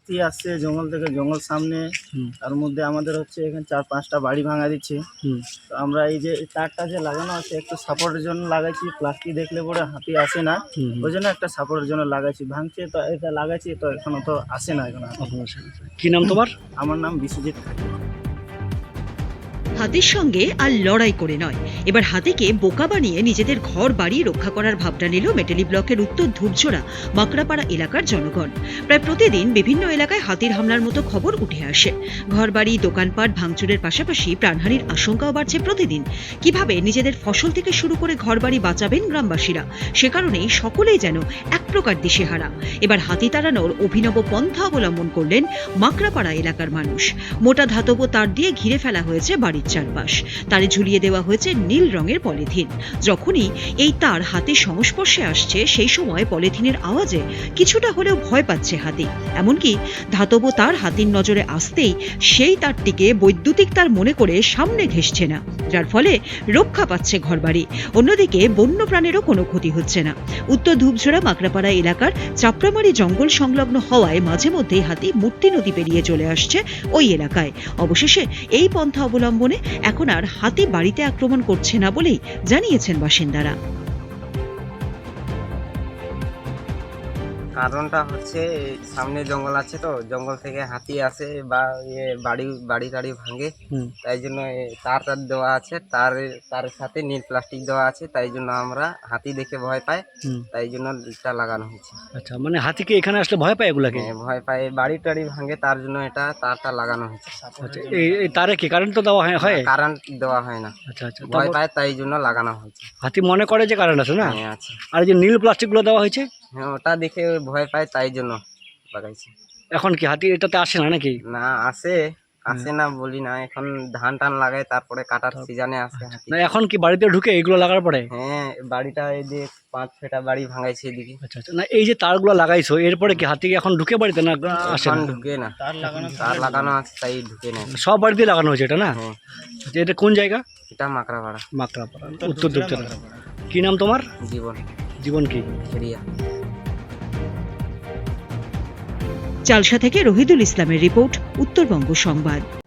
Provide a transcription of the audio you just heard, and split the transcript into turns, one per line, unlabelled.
হাতি আসছে জঙ্গল থেকে, জঙ্গল সামনে, তার মধ্যে আমাদের হচ্ছে এখানে 4-5টা বাড়ি ভাঙা দিচ্ছে। তো আমরা এই যে তারটা যে লাগানো আছে একটু সাপোর্টের জন্য লাগাইছি, প্লাস্টিক দেখলে পরে হাতি আসে না, ওই জন্য একটা সাপোর্টের জন্য লাগাইছি। ভাঙছে তো এটা লাগাইছি, তো এখনো তো আসে না এখন।
কি নাম তোমার?
আমার নাম বিশ্বজিৎ।
হাতির সঙ্গে আর লড়াই করে নয়, এবার হাতিকে বোকা বানিয়ে নিজেদের ঘর বাড়ি রক্ষা করার ভাবনা নিল মেটেলি ব্লকের উত্তর ধূপঝোড়া মাকড়াপাড়া এলাকার জনগণ। প্রায় প্রতিদিন বিভিন্ন এলাকায় হাতির হামলার মতো খবর উঠে আসে। ঘরবাড়ি, দোকানপাট ভাঙচুরের পাশাপাশি প্রাণহানির আশঙ্কাও বাড়ছে প্রতিদিন। কিভাবে নিজেদের ফসল থেকে শুরু করে ঘরবাড়ি বাঁচাবেন গ্রামবাসীরা, সে কারণেই সকলেই যেন এক প্রকার দিশেহারা। এবার হাতি তাড়ানোর অভিনব পন্থা অবলম্বন করলেন মাকড়াপাড়া এলাকার মানুষ। মোটা ধাতব তার দিয়ে ঘিরে ফেলা হয়েছে বাড়ির চারপাশ, তারে ঝুলিয়ে দেওয়া হয়েছে নীল রঙের পলিথিন। যখনই এই তার হাতির সংস্পর্শে আসছে, সেই সময় পলিথিনের আওয়াজে কিছুটা হলেও ভয় পাচ্ছে হাতি। এমনকি ধাতব তার হাতির নজরে আসতেই সেই তারটিকে বৈদ্যুতিক তার মনে করে সামনে ঘেঁষছে না, যার ফলে রক্ষা পাচ্ছে ঘরবাড়ি। অন্যদিকে বন্য প্রাণেরও কোনো ক্ষতি হচ্ছে না। উত্তর ধূপঝোড়া মাকড়াপাড়া এলাকার চাপড়ামারি জঙ্গল সংলগ্ন হওয়ায় মাঝে মধ্যেই হাতি মূর্তি নদী পেরিয়ে চলে আসছে ওই এলাকায়। অবশেষে এই পন্থা অবলম্বনে এখন আর হাতি বাড়িতে আক্রমণ করছে না বলেই জানিয়েছেন বাসিন্দারা।
কারণটা হচ্ছে সামনে জঙ্গল আছে, তো জঙ্গল থেকে হাতি আসে বা বাড়ি টাড়ি ভাঙে, তাই জন্য তার দেওয়া আছে, তার সাথে নীল প্লাস্টিক দেওয়া আছে, তাই জন্য আমরা হাতি দেখে ভয় পাই, তাই জন্য এটা লাগানো হয়েছে।
আচ্ছা, মানে হাতিকে এখানে আসলে ভয় পায় এগুলাকে?
ভয় পায়, বাড়ি টাড়ি ভাঙে, তার জন্য এটা তারটা লাগানো হয়েছে।
আচ্ছা, এই তারে কি কারেন্ট তো দেওয়া হয়?
কারেন্ট দেওয়া হয় না।
আচ্ছা আচ্ছা,
ভয় পায় তাই জন্য লাগানো হয়েছে।
হাতি মনে করে যে কারেন্ট আছে না?
হ্যাঁ আছে।
আর এই যে নীল প্লাস্টিক গুলো দেওয়া হয়েছে,
হ্যাঁ ওটা দেখে ভয় পায় তাই জন্য লাগাইছি।
এখন কি হাতি এটাতে আসে না নাকি?
না আসে না বলি না, এখন ধান টান লাগায়, তারপরে কাটার সিজনে আসে হাতি।
না এখন কি বাড়িতে ঢুকে এগুলো লাগার পরে?
হ্যাঁ বাড়িটা এই যে 5-6টা বাড়ি ভাঙাইছে এদিকে।
আচ্ছা আচ্ছা, না এই যে তারগুলো লাগাইছো এরপরে কি হাতি এখন ঢুকে বাড়িতে না আসে
এখন
না?
ঢুকে না, তার লাগানো আছে তাই ঢুকে না।
সব বাড়িতে লাগানো হয়েছে এটা না?
হ্যাঁ
আচ্ছা, এটা কোন জায়গা?
এটা মাকড়াপাড়া।
মাকড়াপাড়া, উত্তর ধূপঝোড়া। কি নাম তোমার?
জীবন
জীবন কি?
ফেরিয়া।
চালসা থেকে রহিদুল ইসলামের রিপোর্ট, উত্তরবঙ্গ সংবাদ।